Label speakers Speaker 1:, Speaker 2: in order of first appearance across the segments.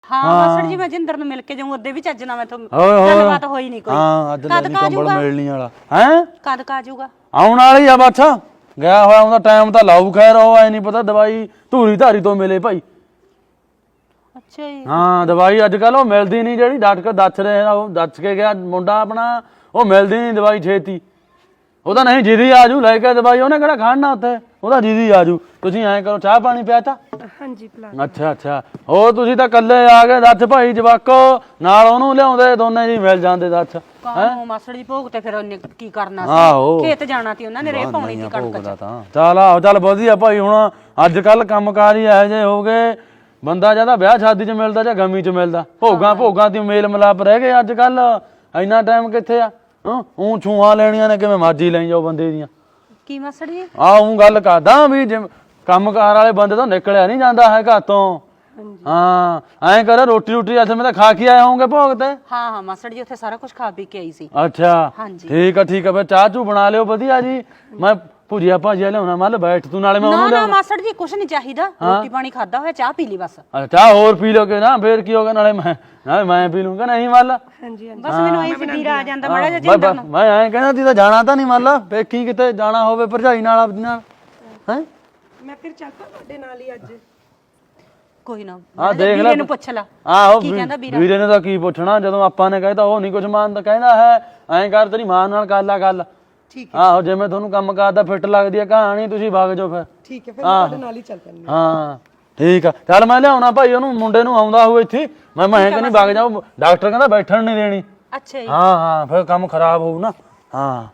Speaker 1: ਹਾਂ ਮਾਸੜ ਜੀ ਮੈਂ ਜਿੰਦਰ ਨੂੰ ਮਿਲ ਕੇ ਜਾਊਂ ਉਹਦੇ ਵੀ ਚੱਜ ਨਾਲ ਮੈਥੋਂ ਗੱਲਬਾਤ ਹੋਈ ਨਹੀਂ ਕੋਈ।
Speaker 2: ਹਾਂ ਅੱਜ
Speaker 1: ਕਦ ਕਾ
Speaker 2: ਕੰਬਲ ਮਿਲਣੀ ਵਾਲਾ ਹੈ
Speaker 1: ਕਦ ਕਾ ਜਾਊਗਾ
Speaker 2: ਆਉਣ ਵਾਲੀ ਆ ਬੱਛਾ ਗਿਆ ਹੋਇਆ ਉਹਦਾ ਟਾਈਮ ਤਾਂ ਲਾਊ ਖੈਰ ਉਹ ਐ ਨਹੀਂ ਪਤਾ ਦਵਾਈ ਧੂਰੀ ਧਾਰੀ ਤੋਂ ਮਿਲੇ ਭਾਈ।
Speaker 1: ਅੱਛਾ ਜੀ
Speaker 2: ਹਾਂ ਦਵਾਈ ਅੱਜ ਕੱਲ ਉਹ ਮਿਲਦੀ ਨਹੀਂ ਜਿਹੜੀ ਡਾਕਟਰ ਦੱਸ ਰਿਹਾ ਉਹ ਦੱਸ ਕੇ ਗਿਆ ਮੁੰਡਾ ਆਪਣਾ ਉਹ ਮਿਲਦੀ ਨਹੀਂ ਦਵਾਈ ਛੇਤੀ। ਉਹਦਾ ਨਹੀਂ ਜਿੱਦੀ ਆਜੂ ਲੈ ਕੇ ਦਵਾਈ ਉਹਨੇ ਕਿਹੜਾ ਖਾਣਾ ਉੱਥੇ ਉਹਦਾ ਜਿੱਦੀ ਆਜੂ। ਤੁਸੀਂ ਐਂ ਕਰੋ ਚਾਹ ਪਾਣੀ ਪਿਆ ਤਾ
Speaker 3: ਹਾਂਜੀ
Speaker 2: ਅੱਛਾ ਅੱਛਾ ਉਹ ਤੁਸੀਂ ਤਾਂ ਇਕੱਲੇ ਆ ਗਏ ਦੱਸ ਭਾਈ ਜਵਾਕੋ ਨਾਲ ਉਹਨੂੰ ਲਿਆਉਂਦੇ ਦੋਨੇ ਜੀ ਮਿਲ ਜਾਂਦੇ ਦੱਸ।
Speaker 1: ਕਾਹਨੂੰ ਮਾਸੜ ਜੀ ਭੋਗ ਤੇ ਫਿਰ ਉਹਨੇ ਕੀ ਕਰਨਾ
Speaker 2: ਆਹੋ
Speaker 1: ਸੀ ਖੇਤ ਜਾਣਾ ਸੀ ਉਹਨਾਂ ਨੇ ਰੇ ਪਾਉਣੀ ਸੀ ਕਣਕ ਚ।
Speaker 2: ਚੱਲ ਆਹੋ ਚੱਲ ਵਧੀਆ ਭਾਈ ਹੁਣ ਅੱਜ ਕੱਲ ਕੰਮਕਾਰ ਹੀ ਇਹੋ ਜਿਹੇ ਹੋ ਗਏ ਬੰਦਾ ਜਿਆਦਾ ਵਿਆਹ ਸ਼ਾਦੀ ਚ ਮਿਲਦਾ ਜਾਂ ਗਮੀ ਚ ਮਿਲਦਾ ਭੋਗਾਂ ਦੀ ਮੇਲ ਮਿਲਾਪ ਰਹਿ ਗਏ ਅੱਜ ਕੱਲ ਇੰਨਾ ਟਾਈਮ ਕਿੱਥੇ ਆ ਉਹ ਛੂਹਾਂ ਲੈਣੀਆਂ ਨੇ ਕਿਵੇਂ ਮਰਜ਼ੀ ਲੈ ਜਾਓ ਬੰਦੇ ਦੀਆਂ।
Speaker 1: ਕੀ ਮਾਸੜ ਜੀ
Speaker 2: ਆਹ ਗੱਲ ਕਰਦਾ ਵੀ ਕੰਮਕਾਰ ਵਾਲੇ ਬੰਦੇ ਤੋਂ ਨਿਕਲਿਆ ਨਹੀਂ ਜਾਂਦਾ ਹੈ ਘਰ ਤੋਂ। ਹਾਂ ਐਂ ਕਰ ਰੋਟੀ ਅੱਜ ਮੈਂ ਤਾਂ ਖਾ ਕੇ ਆਏ ਹੋਵਾਂਗੇ ਭੋਗ ਤੇ।
Speaker 1: ਹਾਂ ਹਾਂ ਮਾਸੜ ਜੀ ਉੱਥੇ ਸਾਰਾ ਕੁਝ ਖਾ ਪੀ ਕੇ ਆਈ ਸੀ।
Speaker 2: ਅੱਛਾ
Speaker 1: ਹਾਂਜੀ
Speaker 2: ਠੀਕ ਆ ਫਿਰ ਚਾਹ ਚੂ ਬਣਾ ਲਿਓ ਵਧੀਆ ਜੀ ਮੈਂ ਭੁਜੀਆ ਭਾਜੀਆ ਲਿਆਉਣਾ ਮੱਲ ਬੈਠ ਤੂੰ ਨਾਲੇ ਮੈਂ ਉਹਨੂੰ
Speaker 1: ਨਾ ਮਾਸੜ ਜੀ ਕੁਛ ਨਹੀਂ ਚਾਹੀਦਾ ਰੋਟੀ ਪਾਣੀ ਖਾਦਾ ਹੋਇਆ ਚਾਹ ਪੀ ਲਈ ਬਸ।
Speaker 2: ਅੱਛਾ ਚਾਹ ਹੋਰ ਪੀ ਲੋਗੇ ਨਾ ਫੇਰ ਕੀ ਹੋਗਾ ਨਾਲੇ ਮੈਂ ਪੀ ਲੂੰਗਾ ਨਹੀਂ ਮੱਲ।
Speaker 3: ਹਾਂਜੀ
Speaker 1: ਬਸ ਮੈਨੂੰ ਐਂ ਸੀ ਵੀਰਾ ਆ ਜਾਂਦਾ ਮਾੜਾ ਜਿਹਾ ਜਿੰਦਰ ਨੂੰ।
Speaker 2: ਮੈਂ ਐਂ ਕਹਿੰਦਾ ਤੀ ਤਾਂ ਜਾਣਾ ਤਾਂ ਨਹੀਂ ਮੱਲ ਵੇਖੀ ਕਿਤੇ ਜਾਣਾ ਹੋਵੇ ਭਰਜਾਈ ਨਾਲ ਆਪਦੀ ਨਾਲ ਹੈ
Speaker 3: ਮੈਂ ਫਿਰ ਚੱਲਦਾ ਤੁਹਾਡੇ ਨਾਲ ਹੀ ਅੱਜ।
Speaker 1: ਕੋਈ ਨਾ
Speaker 2: ਦੇਖ ਲੈ
Speaker 1: ਵੀਰੇ ਨੂੰ ਪੁੱਛ ਲੈ
Speaker 2: ਆਹੋ
Speaker 1: ਕੀ ਕਹਿੰਦਾ ਵੀਰਾ।
Speaker 2: ਵੀਰੇ ਨੇ ਤਾਂ ਕੀ ਪੁੱਛਣਾ ਜਦੋਂ ਆਪਾਂ ਨੇ ਕਹਿਤਾ ਉਹ ਨਹੀਂ ਕੁਝ ਮੰਨਦਾ ਕਹਿੰਦਾ ਹੈ ਐਂ ਕਰ ਤੇਰੀ ਮਾਂ ਨਾਲ ਕਰ ਲਾ ਗੱਲ।
Speaker 3: ਠੀਕ
Speaker 2: ਆਹੋ ਜਿਵੇਂ ਤੁਹਾਨੂੰ ਕੰਮ ਕਰਦਾ ਫਿੱਟ ਲੱਗਦੀ ਹੈ ਕਹਾਣੀ ਤੁਸੀਂ ਵਗ ਜਾਓ ਫਿਰ।
Speaker 3: ਠੀਕ ਹੈ ਫਿਰ ਤੁਹਾਡੇ ਨਾਲ ਹੀ ਚੱਲ ਪੈਂਦੇ
Speaker 2: ਹਾਂ ਠੀਕ ਆ ਚੱਲ ਮੈਂ ਲਿਆਉਣਾ ਭਾਈ ਉਹਨੂੰ ਮੁੰਡੇ ਨੂੰ ਆਉਂਦਾ ਹੋਊ ਇੱਥੇ ਮੈਂ ਕਹਿੰਦੀ ਵਗ ਜਾਓ ਡਾਕਟਰ ਕਹਿੰਦਾ ਬੈਠਣ ਨਹੀਂ ਦੇਣੀ।
Speaker 1: ਅੱਛਾ ਜੀ
Speaker 2: ਹਾਂ ਫਿਰ ਕੰਮ ਖਰਾਬ ਹੋਊ ਨਾ। ਹਾਂ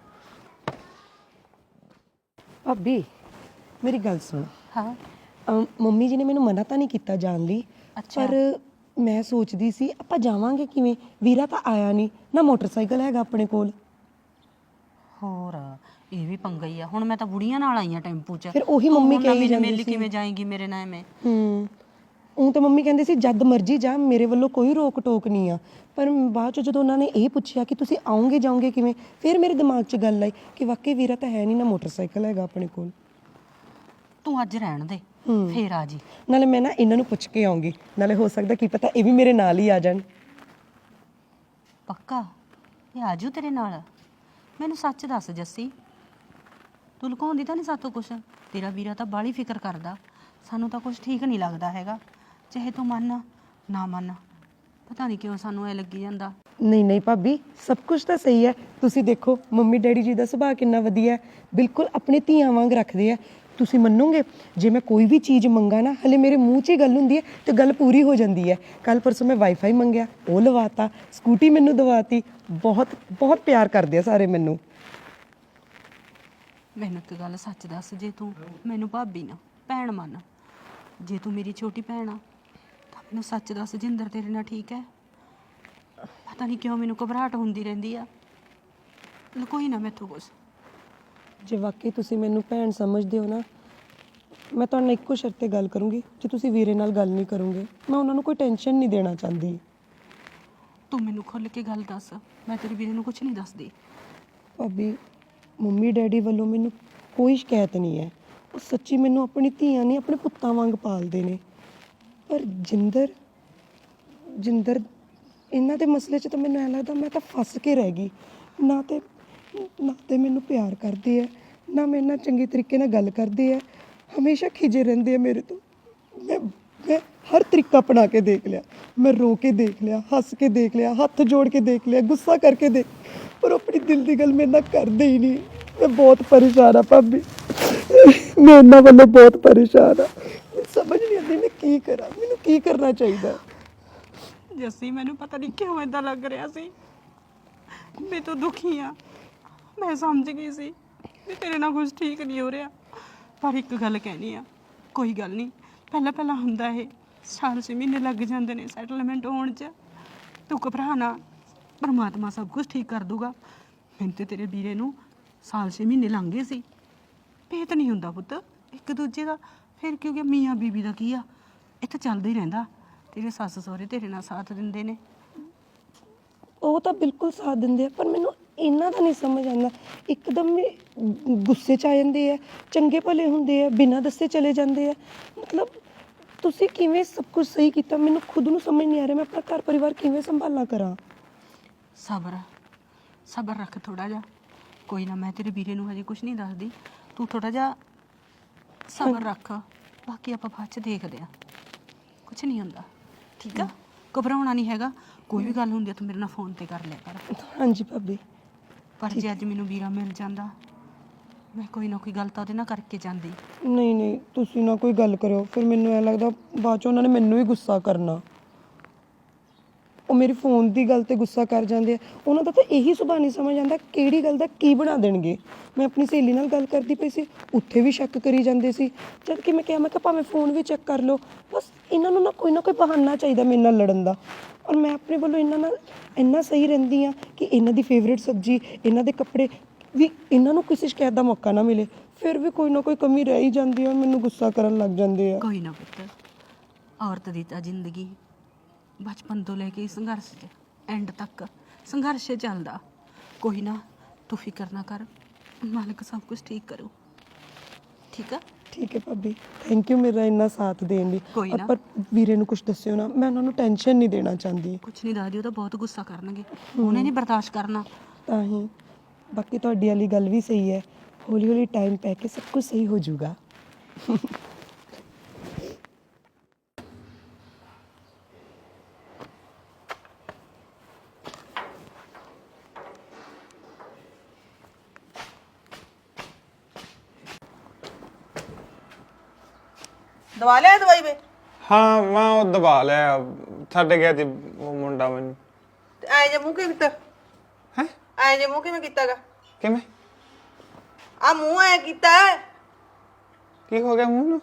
Speaker 3: ਭਾਬੀ ਮੇਰੀ ਗੱਲ ਸੁਣ।
Speaker 1: ਹਾਂ
Speaker 3: ਮੰਮੀ ਜੀ ਨੇ ਮੈਨੂੰ ਮਨਾ ਤਾਂ ਨਹੀਂ ਕੀਤਾ ਜਾਣ ਲਈ ਪਰ ਮੈਂ ਸੋਚਦੀ ਸੀ ਆਪਾਂ ਜਾਵਾਂਗੇ ਕਿਵੇਂ ਵੀਰਾ ਤਾਂ ਆਇਆ ਨਹੀਂ ਨਾ ਮੋਟਰਸਾਈਕਲ ਹੈਗਾ ਆਪਣੇ ਕੋਲ।
Speaker 1: ਹੋਰ ਇਹ ਵੀ ਪੰਗਾ ਹੀ ਆ ਹੁਣ ਮੈਂ ਤਾਂ ਬੁੜੀਆਂ ਨਾਲ ਆਈ ਆ ਟੈਂਪੂ 'ਚ
Speaker 3: ਫਿਰ ਉਹੀ ਮੰਮੀ ਕਹੀ ਜਾਂਦੀ
Speaker 1: ਮੇਲੀ ਕਿਵੇਂ ਜਾਏਗੀ ਮੇਰੇ ਨਾਲ ਐਵੇਂ।
Speaker 3: ਉਹ ਤਾਂ ਮੰਮੀ ਕਹਿੰਦੇ ਸੀ ਜਦ ਮਰਜ਼ੀ ਜਾ ਮੇਰੇ ਵੱਲੋਂ ਕੋਈ ਰੋਕ ਟੋਕ ਨਹੀਂ ਆ ਪਰ ਬਾਅਦ ਚ ਜਦੋਂ ਉਹਨਾਂ ਨੇ ਇਹ ਪੁੱਛਿਆ ਕਿ ਤੁਸੀਂ ਆਓਗੇ ਜਾਓਗੇ ਕਿਵੇਂ ਫਿਰ ਮੇਰੇ ਦਿਮਾਗ 'ਚ ਗੱਲ ਆਈ ਕਿ ਵਾਕਈ ਵੀਰਾ ਤਾਂ ਹੈ ਨਹੀਂ ਨਾ ਮੋਟਰਸਾਈਕਲ ਹੈਗਾ ਆਪਣੇ ਕੋਲ।
Speaker 1: ਤੂੰ ਅੱਜ ਰਹਿਣ ਦੇ ਫੇਰ ਆ ਜੀ।
Speaker 3: ਨਾਲੇ ਮੈਂ ਨਾ ਇਹਨਾਂ ਨੂੰ ਪੁੱਛ ਕੇ ਆਉਂਗੀ ਨਾਲੇ ਹੋ ਸਕਦਾ ਕੀ ਪਤਾ ਇਹ ਵੀ ਮੇਰੇ ਨਾਲ ਹੀ ਆ ਜਾਣ।
Speaker 1: ਪੱਕਾ ਇਹ ਆਜੂ ਤੇਰੇ ਨਾਲ। ਮੈਨੂੰ ਸੱਚ ਦੱਸ ਜੱਸੀ ਤੂੰ ਲੁਕਾਉਂਦੀ ਤਾਂ ਨਹੀਂ ਸਾਤੋਂ ਕੁਛ। ਤੇਰਾ ਵੀਰਾ ਤਾਂ ਬਾਹਲੀ ਫਿਕਰ ਕਰਦਾ ਸਾਨੂੰ ਤਾਂ ਕੁਛ ਠੀਕ ਨਹੀਂ ਲੱਗਦਾ ਹੈਗਾ ਚਾਹੇ ਤੂੰ ਮੰਨ ਨਾ ਮੰਨ ਪਤਾ ਨਹੀਂ ਕਿਉਂ ਸਾਨੂੰ ਐ ਲੱਗੀ ਜਾਂਦਾ।
Speaker 3: ਨਹੀਂ ਭਾਬੀ ਸਭ ਕੁਝ ਤਾਂ ਸਹੀ ਹੈ। ਤੁਸੀਂ ਦੇਖੋ ਮੰਮੀ ਡੈਡੀ ਜੀ ਦਾ ਸੁਭਾਅ ਕਿੰਨਾ ਵਧੀਆ ਹੈ ਬਿਲਕੁਲ ਆਪਣੇ ਧੀਆਂ ਵਾਂਗ ਰੱਖਦੇ ਆ। ਤੁਸੀਂ ਮੰਨੋਗੇ ਜੇ ਮੈਂ ਕੋਈ ਵੀ ਚੀਜ਼ ਮੰਗਾ ਨਾ ਹਲੇ ਮੇਰੇ ਮੂੰਹ 'ਚ ਹੀ ਗੱਲ ਹੁੰਦੀ ਹੈ ਤੇ ਗੱਲ ਪੂਰੀ ਹੋ ਜਾਂਦੀ ਹੈ। ਕੱਲ ਪਰਸੋਂ ਮੈਂ ਵਾਈਫਾਈ ਮੰਗਿਆ ਉਹ ਲਵਾਤਾ ਸਕੂਟੀ ਮੈਨੂੰ ਦਵਾਤੀ ਬਹੁਤ ਬਹੁਤ ਪਿਆਰ ਕਰਦੇ ਆ ਸਾਰੇ ਮੈਨੂੰ।
Speaker 1: ਮੈਨੂੰ ਇੱਕ ਗੱਲ ਸੱਚ ਦੱਸ ਜੇ ਤੂੰ ਮੈਨੂੰ ਭਾਬੀ ਨਾ ਭੈਣ ਮੰਨ ਜੇ ਤੂੰ ਮੇਰੀ ਛੋਟੀ ਭੈਣ ਆ ਤਾਂ ਮੈਨੂੰ ਸੱਚ ਦੱਸ ਜਿੰਦਰ ਤੇਰੇ ਨਾਲ ਠੀਕ ਹੈ। ਪਤਾ ਨਹੀਂ ਕਿਉਂ ਮੈਨੂੰ ਘਬਰਾਹਟ ਹੁੰਦੀ ਰਹਿੰਦੀ ਆ ਲੁਕੋਈ ਨਾ ਮੈਥੋਂ ਕੁਛ।
Speaker 3: ਜੇ ਵਾਕਈ ਤੁਸੀਂ ਮੈਨੂੰ ਭੈਣ ਸਮਝਦੇ ਹੋ ਨਾ ਮੈਂ ਤੁਹਾਡੇ ਨਾਲ ਇੱਕੋ ਸ਼ਰਤ 'ਤੇ ਗੱਲ ਕਰੂੰਗੀ ਜੇ ਤੁਸੀਂ ਵੀਰੇ ਨਾਲ ਗੱਲ ਨਹੀਂ ਕਰੋਗੇ ਮੈਂ ਉਹਨਾਂ ਨੂੰ ਕੋਈ ਟੈਨਸ਼ਨ ਨਹੀਂ ਦੇਣਾ ਚਾਹੁੰਦੀ।
Speaker 1: ਤੂੰ ਮੈਨੂੰ ਖੁੱਲ੍ਹ ਕੇ ਗੱਲ ਦੱਸ ਮੈਂ ਤੇਰੇ ਵੀਰੇ ਨੂੰ ਕੁਛ ਨਹੀਂ ਦੱਸਦੀ।
Speaker 3: ਭਾਬੀ ਮੰਮੀ ਡੈਡੀ ਵੱਲੋਂ ਮੈਨੂੰ ਕੋਈ ਸ਼ਿਕਾਇਤ ਨਹੀਂ ਹੈ ਉਹ ਸੱਚੀ ਮੈਨੂੰ ਆਪਣੀ ਧੀਆਂ ਨੇ ਆਪਣੇ ਪੁੱਤਾਂ ਵਾਂਗ ਪਾਲਦੇ ਨੇ ਪਰ ਜਿੰਦਰ ਇਹਨਾਂ ਦੇ ਮਸਲੇ 'ਚ ਤਾਂ ਮੈਨੂੰ ਐਂ ਲੱਗਦਾ ਮੈਂ ਤਾਂ ਫਸ ਕੇ ਰਹਿ ਗਈ। ਨਾ ਤੇ ਮੈਨੂੰ ਪਿਆਰ ਕਰਦੇ ਆ ਨਾ ਮੇਰੇ ਨਾਲ ਚੰਗੇ ਤਰੀਕੇ ਨਾਲ ਗੱਲ ਕਰਦੇ ਆ ਹਮੇਸ਼ਾ ਖਿਜੇ ਰਹਿੰਦੇ ਆ ਮੇਰੇ ਤੋਂ। ਮੈਂ ਹਰ ਤਰੀਕਾ ਅਪਣਾ ਕੇ ਦੇਖ ਲਿਆ ਮੈਂ ਰੋ ਕੇ ਦੇਖ ਲਿਆ ਹੱਸ ਕੇ ਦੇਖ ਲਿਆ ਹੱਥ ਜੋੜ ਕੇ ਦੇਖ ਲਿਆ ਗੁੱਸਾ ਕਰਕੇ ਦੇਖ ਪਰ ਆਪਣੀ ਦਿਲ ਦੀ ਗੱਲ ਮੇਰੇ ਨਾਲ ਕਰਦੇ ਹੀ ਨਹੀਂ। ਮੈਂ ਬਹੁਤ ਪਰੇਸ਼ਾਨ ਆ ਭਾਬੀ ਮੈਂ ਇਹਨਾਂ ਵੱਲੋਂ ਬਹੁਤ ਪਰੇਸ਼ਾਨ ਆ ਸਮਝ ਨਹੀਂ ਆਉਂਦੀ ਮੈਂ ਕੀ ਕਰਾਂ ਮੈਨੂੰ ਕੀ ਕਰਨਾ ਚਾਹੀਦਾ।
Speaker 1: ਜੱਸੀ ਮੈਨੂੰ ਪਤਾ ਨਹੀਂ ਕਿਉਂ ਏਦਾਂ ਲੱਗ ਰਿਹਾ ਸੀ ਮੈਂ ਤਾਂ ਦੁਖੀ ਆ। ਮੈਂ ਸਮਝ ਗਈ ਸੀ ਵੀ ਤੇਰੇ ਨਾਲ ਕੁਝ ਠੀਕ ਨਹੀਂ ਹੋ ਰਿਹਾ ਪਰ ਇੱਕ ਗੱਲ ਕਹਿਣੀ ਆ ਕੋਈ ਗੱਲ ਨਹੀਂ ਪਹਿਲਾਂ ਹੁੰਦਾ ਇਹ 6 ਮਹੀਨੇ ਲੱਗ ਜਾਂਦੇ ਨੇ ਸੈਟਲਮੈਂਟ ਹੋਣ 'ਚ। ਤੂੰ ਘਬਰਾ ਨਾ ਪਰਮਾਤਮਾ ਸਭ ਕੁਝ ਠੀਕ ਕਰ ਦੂਗਾ। ਮੈਨੂੰ ਤੇ ਤੇਰੇ ਵੀਰੇ ਨੂੰ 6 ਮਹੀਨੇ ਲੰਘ ਗਏ ਸੀ ਭੇਤ ਨਹੀਂ ਹੁੰਦਾ ਪੁੱਤ ਇੱਕ ਦੂਜੇ ਦਾ ਫਿਰ ਕਿਉਂਕਿ ਮੀਆਂ ਬੀਬੀ ਦਾ ਕੀ ਆ ਇਹ ਤਾਂ ਚੱਲਦਾ ਹੀ ਰਹਿੰਦਾ। ਤੇਰੇ ਸੱਸ ਸਹੁਰੇ ਤੇਰੇ ਨਾਲ ਸਾਥ ਦਿੰਦੇ ਨੇ।
Speaker 3: ਉਹ ਤਾਂ ਬਿਲਕੁਲ ਸਾਥ ਦਿੰਦੇ ਆ ਪਰ ਮੈਨੂੰ ਇਹਨਾਂ ਦਾ ਨਹੀਂ ਸਮਝ ਆਉਂਦਾ ਇੱਕਦਮ ਵੀ ਗੁੱਸੇ 'ਚ ਆ ਜਾਂਦੇ ਆ ਚੰਗੇ ਭਲੇ ਹੁੰਦੇ ਆ ਬਿਨਾਂ ਦੱਸੇ ਚਲੇ ਜਾਂਦੇ ਆ ਮਤਲਬ ਤੁਸੀਂ ਕਿਵੇਂ ਸਭ ਕੁਝ ਸਹੀ ਕੀਤਾ, ਮੈਨੂੰ ਖੁਦ ਨੂੰ ਸਮਝ ਨਹੀਂ ਆ ਰਿਹਾ ਮੈਂ ਆਪਣਾ ਘਰ ਪਰਿਵਾਰ ਕਿਵੇਂ ਸੰਭਾਲਾਂ ਕਰਾਂ।
Speaker 1: ਸਬਰ ਰੱਖ ਥੋੜਾ ਜਿਹਾ। ਕੋਈ ਨਾ, ਮੈਂ ਤੇਰੇ ਵੀਰੇ ਨੂੰ ਹਜੇ ਕੁਝ ਨਹੀਂ ਦੱਸਦੀ, ਤੂੰ ਥੋੜਾ ਜਿਹਾ ਸਬਰ ਰੱਖ। ਬਾਕੀ ਆਪਾਂ ਬਾਅਦ ਚ ਦੇਖਦੇ ਆ, ਕੁਝ ਨਹੀਂ ਹੁੰਦਾ, ਠੀਕ ਆ? ਘਬਰਾਉਣਾ ਨਹੀਂ ਹੈਗਾ। ਕੋਈ ਵੀ ਗੱਲ ਹੁੰਦੀ ਆ ਤੂੰ ਮੇਰੇ ਨਾਲ ਫੋਨ ਤੇ ਕਰ ਲਿਆ ਕਰ।
Speaker 3: ਹਾਂਜੀ ਭਾਬੀ।
Speaker 1: ਪਰ ਜੇ ਅੱਜ ਮੈਨੂੰ ਵੀਰਾ ਮਿਲ ਜਾਂਦਾ, ਮੈਂ ਕੋਈ ਨਾ ਕੋਈ ਗੱਲ ਤਾਂ ਉਹਦੇ ਨਾਲ ਕਰਕੇ ਜਾਂਦੀ।
Speaker 3: ਨਹੀਂ ਤੁਸੀਂ ਨਾ ਕੋਈ ਗੱਲ ਕਰਿਓ, ਫਿਰ ਮੈਨੂੰ ਐ ਲੱਗਦਾ ਬਾਅਦ ਚ ਉਹਨਾਂ ਨੇ ਮੈਨੂੰ ਹੀ ਗੁੱਸਾ ਕਰਨਾ। ਉਹ ਮੇਰੀ ਫੋਨ ਦੀ ਗੱਲ ਤੇ ਗੁੱਸਾ ਕਰ ਜਾਂਦੇ ਆ। ਉਹਨਾਂ ਦਾ ਤਾਂ ਇਹੀ ਸੁਭਾਅ ਨਹੀਂ ਸਮਝ ਆਉਂਦਾ ਕਿਹੜੀ ਗੱਲ ਦਾ ਕੀ ਬਣਾ ਦੇਣਗੇ। ਮੈਂ ਆਪਣੀ ਸਹੇਲੀ ਨਾਲ ਗੱਲ ਕਰਦੀ ਪਈ ਸੀ, ਉੱਥੇ ਵੀ ਸ਼ੱਕ ਕਰੀ ਜਾਂਦੇ ਸੀ। ਜਦ ਕਿ ਮੈਂ ਕਿਹਾ ਭਾਵੇਂ ਫੋਨ ਵੀ ਚੈੱਕ ਕਰ ਲਓ, ਬਸ ਇਹਨਾਂ ਨੂੰ ਨਾ ਕੋਈ ਬਹਾਨਾ ਚਾਹੀਦਾ ਮੇਰੇ ਨਾਲ ਲੜਨ ਦਾ। ਔਰ ਮੈਂ ਆਪਣੇ ਵੱਲੋਂ ਇਹਨਾਂ ਨਾਲ ਇੰਨਾ ਸਹੀ ਰਹਿੰਦੀ ਆ ਕਿ ਇਹਨਾਂ ਦੀ ਫੇਵਰੇਟ ਸਬਜ਼ੀ, ਇਹਨਾਂ ਦੇ ਕੱਪੜੇ ਵੀ ਇਹਨਾਂ ਨੂੰ ਕਿਸੇ ਸ਼ਿਕਾਇਤ ਦਾ ਮੌਕਾ ਨਾ ਮਿਲੇ। ਫਿਰ ਵੀ ਕੋਈ ਨਾ ਕੋਈ ਕਮੀ ਰਹਿ ਹੀ ਜਾਂਦੀ ਆ, ਮੈਨੂੰ ਗੁੱਸਾ ਕਰਨ ਲੱਗ ਜਾਂਦੇ ਆ।
Speaker 1: ਕੋਈ ਨਾ ਪੁੱਤ, ਔਰਤ ਦੀ ਤਾਂ ਜ਼ਿੰਦਗੀ ਬਚਪਨ ਤੋਂ ਲੈ ਕੇ ਸੰਘਰਸ਼ 'ਚ ਐਂਡ ਤੱਕ ਸੰਘਰਸ਼ ਚੱਲਦਾ। ਕੋਈ ਨਾ, ਤੂੰ ਫਿਕਰ ਨਾ ਕਰ, ਮਾਲਕ ਸਭ ਕੁਝ ਠੀਕ ਕਰੂ, ਠੀਕ ਆ?
Speaker 3: ਠੀਕ ਹੈ ਭਾਬੀ, ਥੈਂਕ ਯੂ ਮੇਰਾ ਇੰਨਾ ਸਾਥ ਦੇਣ ਲਈ।
Speaker 1: ਕੋਈ ਨਾ।
Speaker 3: ਪਰ ਵੀਰੇ ਨੂੰ ਕੁਝ ਦੱਸਿਓ ਨਾ, ਮੈਂ ਉਹਨਾਂ ਨੂੰ ਟੈਨਸ਼ਨ ਨਹੀਂ ਦੇਣਾ ਚਾਹੁੰਦੀ।
Speaker 1: ਕੁਝ ਨਹੀਂ ਦੱਸਦੀ, ਉਹ ਤਾਂ ਬਹੁਤ ਗੁੱਸਾ ਕਰਨਗੇ, ਉਹਨੇ ਨਹੀਂ ਬਰਦਾਸ਼ਤ ਕਰਨਾ।
Speaker 3: ਤਾਂ ਹੀ ਬਾਕੀ ਤੁਹਾਡੀ ਵਾਲੀ ਗੱਲ ਵੀ ਸਹੀ ਹੈ, ਹੌਲੀ ਹੌਲੀ ਟਾਈਮ ਪੈ ਕੇ ਸਭ ਕੁਝ ਸਹੀ ਹੋ ਜਾਊਗਾ।
Speaker 4: ਦਵਾ ਲਿਆ ਦਵਾਈ ਵੇ?
Speaker 5: ਹਾਂ ਮੈਂ ਉਹ ਦਬਾ ਲਿਆ, ਛੱਡ ਗਿਆ ਸੀ ਉਹ ਮੁੰਡਾ ਮੈਨੂੰ।
Speaker 4: ਤੇ ਐ ਜੇ ਮੂੰਹ ਕਿਵੇਂ ਕੀਤਾ?
Speaker 5: ਹੈ
Speaker 4: ਐ ਜੇ ਮੂੰਹ ਕਿਵੇਂ ਕੀਤਾਗਾ?
Speaker 5: ਕਿਵੇਂ?
Speaker 4: ਆ ਮੂੰਹ ਐ ਕੀਤਾ ਹੈ?
Speaker 5: ਕੀ ਹੋ ਗਿਆ ਮੂੰਹ ਨੂੰ?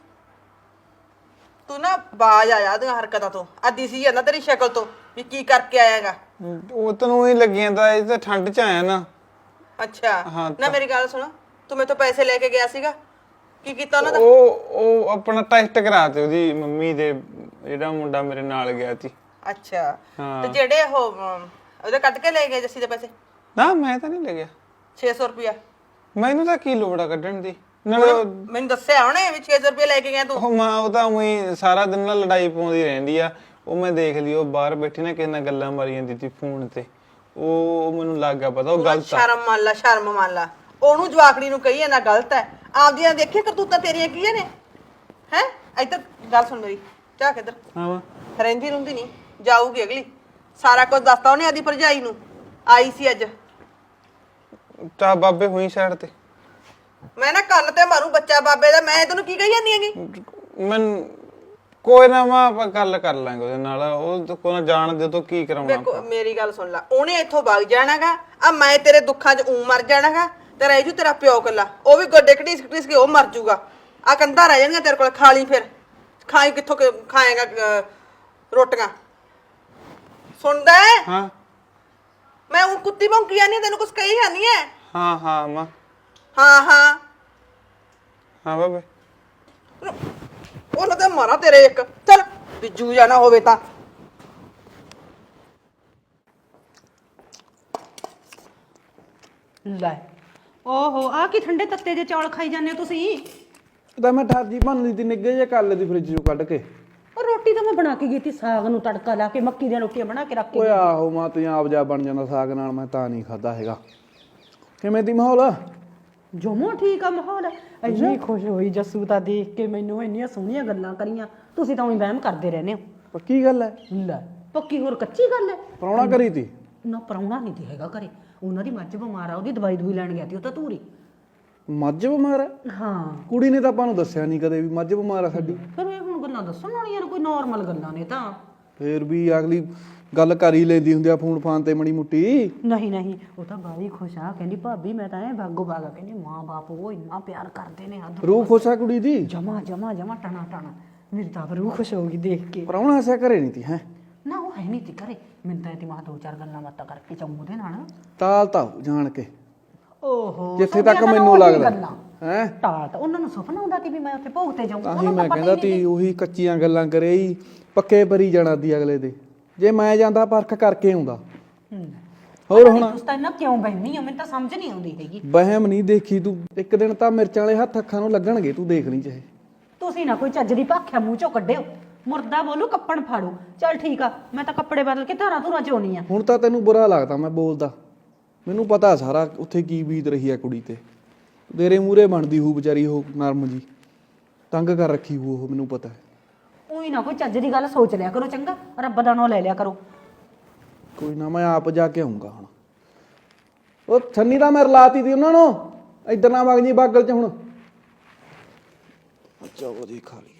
Speaker 4: ਤੂੰ ਨਾ ਬਾਜ ਆ ਜਾ ਦੀਆਂ ਹਰਕਤਾਂ ਤੋਂ, ਅੱਧੀ ਸੀ ਜਾਂਦਾ ਤੇਰੀ ਸ਼ਕਲ ਤੋਂ ਵੀ ਕੀ ਕਰਕੇ ਆਇਆਗਾ।
Speaker 5: ਉਹ ਤੈਨੂੰ ਹੀ ਲੱਗੀ ਜਾਂਦਾ, ਇਹ ਤਾਂ ਠੰਡ ਚ ਆਇਆ ਨਾ।
Speaker 4: ਅੱਛਾ
Speaker 5: ਹਾਂ
Speaker 4: ਨਾ ਮੇਰੀ ਗੱਲ ਸੁਣ, ਤੂੰ ਮੇਰੇ ਤੋਂ ਪੈਸੇ ਲੈ ਕੇ ਗਿਆ ਸੀਗਾ, ਕੀ ਕੀਤਾ ਉਹਨਾਂ ਦਾ?
Speaker 5: ਉਹ ਆਪਣਾ ਟੈਸਟ ਕਰਾਤੇ ਉਹਦੀ ਮੰਮੀ ਦੇ, ਜਿਹੜਾ ਮੁੰਡਾ ਮੇਰੇ ਨਾਲ ਗਿਆ ਸੀ।
Speaker 4: ਅੱਛਾ
Speaker 5: ਹਾਂ।
Speaker 4: ਤੇ ਜਿਹੜੇ ਉਹ ਉਹਦੇ ਕੱਢ ਕੇ ਲੈ ਗਏ ਜੱਸੀ ਦੇ ਪੈਸੇ?
Speaker 5: ਨਾ ਮੈਂ ਤਾਂ ਨਹੀਂ ਲੱਗਿਆ,
Speaker 4: 600 ਰੁਪਇਆ।
Speaker 5: ਮੈਨੂੰ ਤਾਂ ਕੀ ਲੋੜ ਆ ਕੱਢਣ ਦੀ। ਨਾਲੇ
Speaker 4: ਮੈਨੂੰ ਦੱਸਿਆ ਉਹਨੇ ਵੀ 600 ਰੁਪਇਆ ਲੈ ਕੇ ਗਿਆ ਤੂੰ।
Speaker 5: ਉਹ ਮਾਂ ਉਹ ਤਾਂ ਉਹੀ ਸਾਰਾ ਦਿਨ ਨਾਲ ਲੜਾਈ ਪਾਉਂਦੀ ਰਹਿੰਦੀ ਆ। ਉਹ ਮੈਂ ਦੇਖ ਲਈ, ਉਹ ਬਾਹਰ ਬੈਠੀ ਨਾ ਕਿਸੇ ਨਾਲ ਗੱਲਾਂ ਮਾਰੀ ਜਾਂਦੀ ਸੀ ਫੋਨ ਤੇ। ਉਹ ਮੈਨੂੰ ਲੱਗ ਗਿਆ ਪਤਾ ਉਹ ਗਲਤ ਆ।
Speaker 4: ਸ਼ਰਮ ਮੰਨ ਲਾ, ਸ਼ਰਮ ਮੰਨ ਲਾ। ਉਹਨੂੰ ਜਵਾਕੜੀ ਨੂੰ ਕਹੀ ਜਾਂਦਾ ਗਲਤ ਹੈ, ਆਪਦੀਆਂ ਦੇਖੀ ਕਰਤੂਤਾਂ ਤੇਰੀਆਂ ਕੀ ਨੇ? ਹੈ ਇੱਧਰ ਗੱਲ ਸੁਣ ਮੇਰੀ, ਝਾਕ ਕੇ ਇੱਧਰ।
Speaker 5: ਹਾਂ ਮਾਂ।
Speaker 4: ਰਹਿੰਦੀ ਰੁੰਦੀ ਨਹੀਂ, ਜਾਊਗੀ ਅਗਲੀ। ਸਾਰਾ ਕੁਝ ਦੱਸਤਾ ਉਹਨੇ ਆਦੀ ਭਰਜਾਈ ਨੂੰ, ਆਈ ਸੀ ਅੱਜ।
Speaker 5: ਚਾ ਬਾਬੇ ਹੋਈ ਸਾਈਡ ਤੇ।
Speaker 4: ਮੈਂ ਨਾ ਕੰਨ ਤੇ ਮਾਰੂ ਬੱਚਾ ਬਾਬੇ ਦਾ। ਮੈਂ ਤੈਨੂੰ ਕੀ ਕਹੀ ਜਾਂਦੀ ਹੈਗੀ?
Speaker 5: ਮੈਂ ਕੋਈ ਨਾ ਮਾਂ, ਆਪਾਂ ਗੱਲ ਕਰ ਲਾਂਗੇ ਉਹਦੇ ਨਾਲ। ਉਹ ਕੋਈ ਨਾ ਜਾਣ ਦੇ ਤੋਂ ਕੀ ਕਰਾਉਣਾ।
Speaker 4: ਵੇਖੋ ਮੇਰੀ ਗੱਲ ਸੁਣ ਲੈ, ਉਹਨੇ ਇੱਥੋਂ ਵਗ ਜਾਣਾਗਾ, ਆ ਮੈਂ ਤੇਰੇ ਦੁੱਖਾਂ 'ਚ ਮਰ ਜਾਣਾਗਾ, ਤੇ ਰਹਿ ਜੂ ਤੇਰਾ ਪਿਓ ਕੱਲਾ। ਉਹ ਵੀ ਗੱਡੇ ਘੜੀਸ ਘੜੀਸ ਕੇ ਉਹ ਮਰ ਜੂਗਾ। ਆ ਕੰਧਾਂ ਰਹਿ ਜਾਣਗੀਆਂ ਤੇਰੇ ਕੋਲ, ਖਾ ਲਈ। ਫਿਰ ਖਾਈ ਕਿੱਥੋਂ ਖਾਏਗਾ ਰੋਟੀਆਂ? ਸੁਣਦਾ ਹੈ?
Speaker 5: ਹਾਂ
Speaker 4: ਮੈਂ ਉਹ ਕੁੱਤੀ ਭੌਂਕੀ ਜਾਂਦੀ, ਤੈਨੂੰ ਕੁਛ ਕਹੀ ਜਾਂਦੀ ਹੈ?
Speaker 5: ਹਾਂ ਹਾਂ ਮਾਂ।
Speaker 4: ਹਾਂ ਹਾਂ
Speaker 5: ਹਾਂ ਬਾਬੇ।
Speaker 4: ਉਹਨਾਂ ਤੇ ਮਾਰਾ ਤੇਰੇ ਇੱਕ। ਚੱਲ ਬਿੱਜੂ ਜਾਣਾ ਹੋਵੇ ਤਾਂ।
Speaker 1: ਲੈ ਓਹੋ, ਆ ਕੀ ਠੰਡੇ ਤੱਤੇ ਜੇ ਚੌਲ ਖਾਈ ਜਾਂਦੇ ਹੋ ਤੁਸੀਂ?
Speaker 2: ਤਾਂ ਮੈਂ ਠਾਜੀ ਭੰਨਦੀ ਤੀ ਨਿੱਗੇ ਜੇ ਕੱਲ ਦੀ ਫ੍ਰਿਜ ਚੋਂ ਕੱਢ ਕੇ।
Speaker 1: ਉਹ ਰੋਟੀ ਤਾਂ ਮੈਂ ਬਣਾ ਕੇ ਗਈ ਤੀ, ਸਾਗ ਨੂੰ ਤੜਕਾ ਲਾ ਕੇ ਮੱਕੀ ਦੀਆਂ ਰੋਟੀਆਂ ਬਣਾ ਕੇ ਰੱਖ ਕੇ
Speaker 2: ਓਏ
Speaker 1: ਗਈ ਤੀ।
Speaker 2: ਆਹੋ ਮਾਂ, ਤੂੰ ਆਪ ਜਾ ਬਣ ਜਾਂਦਾ ਸਾਗ ਨਾਲ, ਮੈਂ ਤਾਂ ਨਹੀਂ ਖਾਦਾ ਹੈਗਾ। ਕਿਵੇਂ ਦੀ ਮਾਹੌਲ?
Speaker 1: ਜਮੋ ਠੀਕ ਆ ਮਾਹੌਲ। ਇੰਨੀ ਖੁਸ਼ ਹੋਈ ਜੱਸੂ ਤਾਂ ਦੇਖ ਕੇ ਮੈਨੂੰ, ਇੰਨੀਆਂ ਸੋਹਣੀਆਂ ਗੱਲਾਂ ਕਰੀਆਂ। ਤੁਸੀਂ ਤਾਂ ਉਹੀ ਵਹਿਮ ਕਰਦੇ ਰਹਿੰਦੇ ਹੋ।
Speaker 2: ਪੱਕੀ ਗੱਲ ਹੈ?
Speaker 1: ਲੈ ਪੱਕੀ ਹੋਰ ਕੱਚੀ ਗੱਲ ਹੈ?
Speaker 2: ਪ੍ਰਾਹੁਣਾ ਕਰੀ ਤੀ?
Speaker 1: ਨਾ ਪ੍ਰਾਹੁਣਾ ਨਹੀਂ ਤੇ ਹੈਗਾ ਘਰੇ, ਉਹਨਾਂ ਦੀ ਮੱਝ ਬਿਮਾਰ ਆ, ਉਹਦੀ ਦਵਾਈ ਦੂਈ ਲੈਣ ਗਿਆ ਤੀ ਉਹ ਤਾਂ ਧੂਰੀ।
Speaker 2: ਮੱਝ ਬਿਮਾਰ ਹੈ?
Speaker 1: ਹਾਂ।
Speaker 2: ਕੁੜੀ ਨੇ ਤਾਂ ਆਪਾਂ ਨੂੰ ਦੱਸਿਆ ਨਹੀਂ ਕਦੇ ਵੀ ਮੱਝ ਬਿਮਾਰ ਆ ਸਾਡੀ।
Speaker 1: ਫਿਰ ਇਹ ਹੁਣ ਗੱਲਾਂ ਦੱਸਣ ਵਾਲੀਆਂ ਨੇ? ਕੋਈ ਨਾਰਮਲ ਗੱਲਾਂ ਨੇ ਤਾਂ।
Speaker 2: ਫੇਰ ਵੀ ਅਗਲੀ ਗੱਲ ਕਰ ਹੀ ਲੈਂਦੀ ਹੁੰਦੀ ਆ ਫੋਨ ਫਾਨ ਤੇ ਮਣੀ ਮੁੱਟੀ।
Speaker 1: ਨਹੀਂ ਨਹੀਂ, ਉਹ ਤਾਂ ਬਾਲੀ ਖੁਸ਼ ਆ, ਕਹਿੰਦੀ ਭਾਬੀ ਮੈਂ ਤਾਂ ਐ ਬਾਗੋ ਬਾਗਾ, ਕਹਿੰਦੀ ਮਾਂ ਬਾਪ ਉਹ ਇੰਨਾ ਪਿਆਰ ਕਰਦੇ ਨੇ। ਹੱਦ
Speaker 2: ਰੂਹ ਖੁਸ਼ ਆ ਕੁੜੀ ਦੀ?
Speaker 1: ਜਮਾ ਜਮਾ ਜਮਾ ਟਣਾ ਟਣਾ। ਮੇਰੀ ਤਾਂ ਰੂਹ ਖੁਸ਼ ਹੋ ਗਈ ਦੇਖ ਕੇ।
Speaker 2: ਪ੍ਰਾਹੁਣਾ ਐਸਾ ਘਰੇ ਨਹੀਂ ਤੀ ਹੈ?
Speaker 1: ਨਾ ਉਹ ਹੈ ਨਹੀਂ ਤੀ ਘਰੇ। ਮੈਨੂੰ ਤਾਂ ਇਹਦੀ ਮਾਂ ਦੋ ਚਾਰ ਗੱਲਾਂ ਬਾਤਾਂ ਕਰਕੇ ਚੰਗੂ ਦੇ ਨਾਲ।
Speaker 2: ਤਾਲ ਤਾਂ ਜਾਣ ਕੇ,
Speaker 1: ਓਹੋ,
Speaker 2: ਜਿੱਥੇ ਤੱਕ
Speaker 1: ਸੋਹਣੀਆਂ
Speaker 2: ਮੈਨੂੰ
Speaker 1: ਤਾਂ ਉਹੀ
Speaker 2: ਲੱਗਦਾ
Speaker 1: ਗੱਲਾਂ।
Speaker 2: ਹੈ।
Speaker 1: ਟਾਲ ਤਾਂ ਉਹਨਾਂ ਨੂੰ ਸੁਪਨਾ ਹੁੰਦਾ ਸੀ ਵੀ ਮੈਂ ਉੱਥੇ ਭੋਗ ਤੇ ਜਾਊਂ।
Speaker 2: ਤਾਂ ਹੀ ਮੈਂ ਕਹਿੰਦਾ ਤੀ ਉਹੀ ਕੱਚੀਆਂ ਗੱਲਾਂ ਕਰੇ ਹੀ ਪੱਕੇ ਪਰੀ ਜਾਣਾ ਦੀ ਅਗਲੇ ਦੇ। ਜੇ ਮੈਂ ਜਾਂਦਾ ਪਰਖ ਕਰਕੇ ਆਉਂਦਾ। ਹੋਰ ਹੁਣ
Speaker 1: ਤੁਸੀਂ ਤਾਂ ਇਹਨਾਂ ਕਿਉਂ ਬਹਿਨੀ ਹੋ? ਮੈਨੂੰ ਤਾਂ ਸਮਝ ਨਹੀਂ ਆਉਂਦੀ ਹੈਗੀ।
Speaker 2: ਵਹਿਮ ਨਹੀਂ ਦੇਖੀ ਤੂੰ, ਇੱਕ ਦਿਨ ਤਾਂ ਮਿਰਚਾਂ ਵਾਲੇ ਹੱਥ ਅੱਖਾਂ ਨੂੰ ਲੱਗਣਗੇ, ਤੂੰ ਦੇਖ ਲਈ ਚਾਹੇ।
Speaker 1: ਤੁਸੀਂ ਨਾ ਕੋਈ ਚੱਜ ਦੀ ਭਾਖਿਆ ਮੂੰਹ ਚੋਂ ਕੱਢਿਓ।
Speaker 6: ਮੁਰਦਾ ਬੋਲੂ ਕੱਪਣ ਫਾੜੂ। ਚੱਲ ਠੀਕ ਆ, ਮੈਂ ਤਾਂ ਕੱਪੜੇ ਬਦਲ ਕੇ ਧਾਰਾਂ ਧੁਰਾਂ ਚ ਆਉਣੀ ਆ।
Speaker 7: ਹੁਣ ਤਾਂ ਤੈਨੂੰ ਬੁਰਾ ਲੱਗਦਾ ਮੈਂ ਬੋਲਦਾ, ਮੈਨੂੰ ਪਤਾ ਸਾਰਾ ਉੱਥੇ ਕੀ ਬੀਤ ਰਹੀ ਆ ਕੁੜੀ ਤੇ। ਤੇਰੇ ਮੂਹਰੇ ਬਣਦੀ ਹੂ ਵਿਚਾਰੀ ਉਹ ਨਰਮ ਜੀ, ਤੰਗ ਕਰ ਰੱਖੀ ਹੂ ਉਹ, ਮੈਨੂੰ ਪਤਾ ਹੈ।
Speaker 6: ਉਹੀ ਨਾ ਕੋਈ ਚੱਜ ਦੀ ਗੱਲ ਸੋਚ ਲਿਆ ਕਰੋ, ਚੰਗਾ ਰੱਬ ਦਾ ਨਾਂ ਲੈ ਲਿਆ ਕਰੋ।
Speaker 7: ਕੋਈ ਨਾ ਮੈਂ ਆਪ ਜਾ ਕੇ ਆਉਂਗਾ ਹੁਣ। ਉਹ ਛੰਨੀ ਦਾ ਮੈਂ ਰਲਾਤੀ ਤੀ ਉਹਨਾਂ ਨੂੰ, ਇੱਧਰ ਨਾ ਵਗ ਜੀ ਬਾਗਲ ਚ ਹੁਣ। ਅੱਛਾ ਉਹਦੀ ਖਾ ਲਈ।